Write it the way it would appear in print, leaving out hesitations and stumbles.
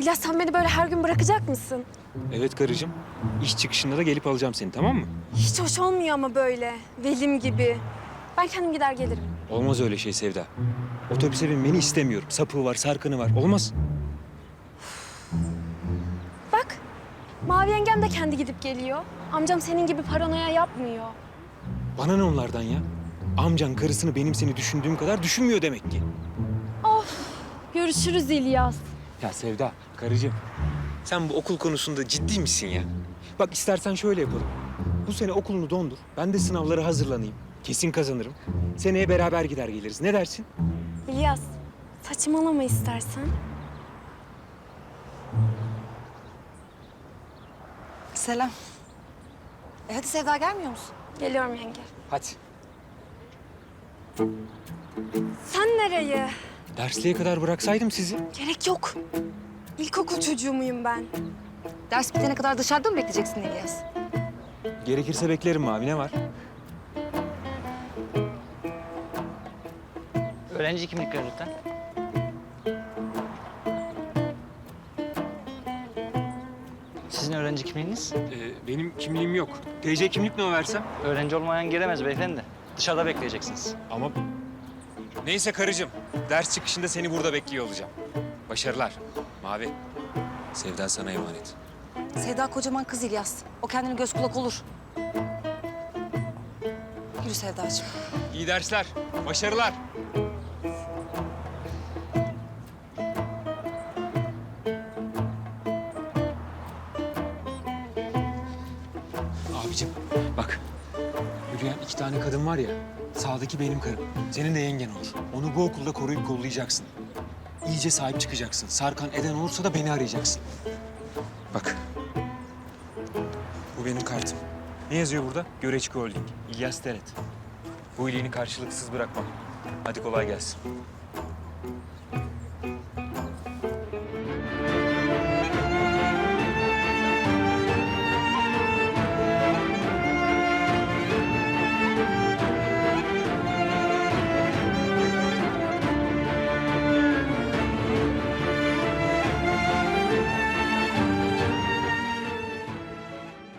İlyas sen beni böyle her gün bırakacak mısın? Evet karıcığım. İş çıkışında da gelip alacağım seni, tamam mı? Hiç hoş olmuyor ama böyle. Velim gibi. Ben kendim gider gelirim. Olmaz öyle şey Sevda. Otobüse binmeni istemiyorum. Sapığı var, sarkını var. Olmaz. Bak, Mavi yengem de kendi gidip geliyor. Amcam senin gibi paranoya yapmıyor. Bana ne onlardan ya? Amcan karısını benim seni düşündüğüm kadar düşünmüyor demek ki. Görüşürüz İlyas. Ya Sevda, karıcığım. Sen bu okul konusunda ciddi misin ya? Bak istersen şöyle yapalım. Bu sene okulunu dondur. Ben de sınavlara hazırlanayım. Kesin kazanırım. Seneye beraber gider geliriz. Ne dersin? İlyas, saçmalama istersen. Selam. Hadi Sevda gelmiyor musun? Geliyorum yenge. Hadi. Sen nereye? Dersliğe kadar bıraksaydım sizi. Gerek yok. İlkokul çocuğu muyum ben? Ders bitene kadar dışarıda mı bekleyeceksin İlyas? Gerekirse beklerim Mavi. Ne var? Öğrenci kimlikleri lütfen. Sizin öğrenci kimliğiniz? Benim kimliğim yok. TC kimlik ne versem? Öğrenci olmayan giremez beyefendi. Dışarıda bekleyeceksiniz. Ama... Neyse karıcığım. Ders çıkışında seni burada bekliyor olacağım. Başarılar. Mavi. Sevda sana emanet. Sevda kocaman kız İlyas. O kendine göz kulak olur. Yürü Sevdacığım. İyi dersler. Başarılar. Abicim bak. Yürüyen 2 tane kadın var ya. Sağdaki benim karım. Senin de yengen olur. Onu bu okulda koruyup kollayacaksın. İyice sahip çıkacaksın. Sarkan eden olursa da beni arayacaksın. Bak. Bu benim kartım. Ne yazıyor burada? Göreçki Holding. İlyas Teret. Bu iyiliğini karşılıksız bırakmam. Hadi kolay gelsin.